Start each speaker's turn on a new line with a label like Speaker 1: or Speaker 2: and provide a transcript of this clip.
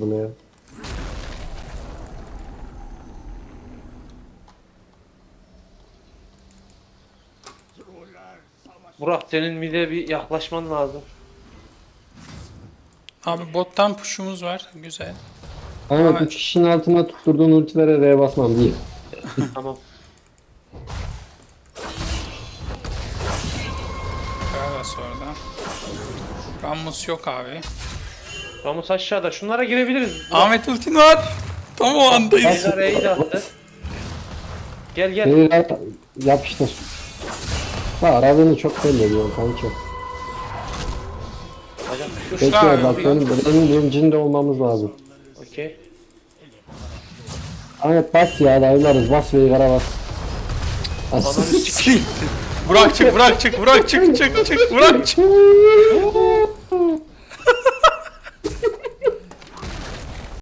Speaker 1: bunu ya.
Speaker 2: Burak senin mide bir yaklaşman lazım.
Speaker 3: Abi bottan push'umuz var. Güzel.
Speaker 1: Ahmet
Speaker 3: Ama
Speaker 1: 3 kişinin altına tutturduğun ultilere R'ye basmam değil.
Speaker 2: Tamam.
Speaker 3: Gragas orada. Rammus yok abi.
Speaker 2: Ramus aşağıda. Şunlara girebiliriz.
Speaker 3: Ahmet ultin var. Tam o andayız.
Speaker 2: Veigar E'yi de attı. Gel gel.
Speaker 1: R'ye yapıştır. Ha aradığını çok belli ediyor kanka.
Speaker 2: Hocam.
Speaker 3: Kuşlar
Speaker 1: Bekle
Speaker 3: abi
Speaker 1: bak
Speaker 3: buradan.
Speaker 1: benim bilincinde olmamız lazım.
Speaker 2: Okey.
Speaker 1: Ahmet bas ya dayılarız bas Veigar'a bas.
Speaker 2: Ananı
Speaker 1: As-
Speaker 2: sikeyim.
Speaker 3: Burak çık, Burak çık, Burak çık, çık, çık, Burak çık.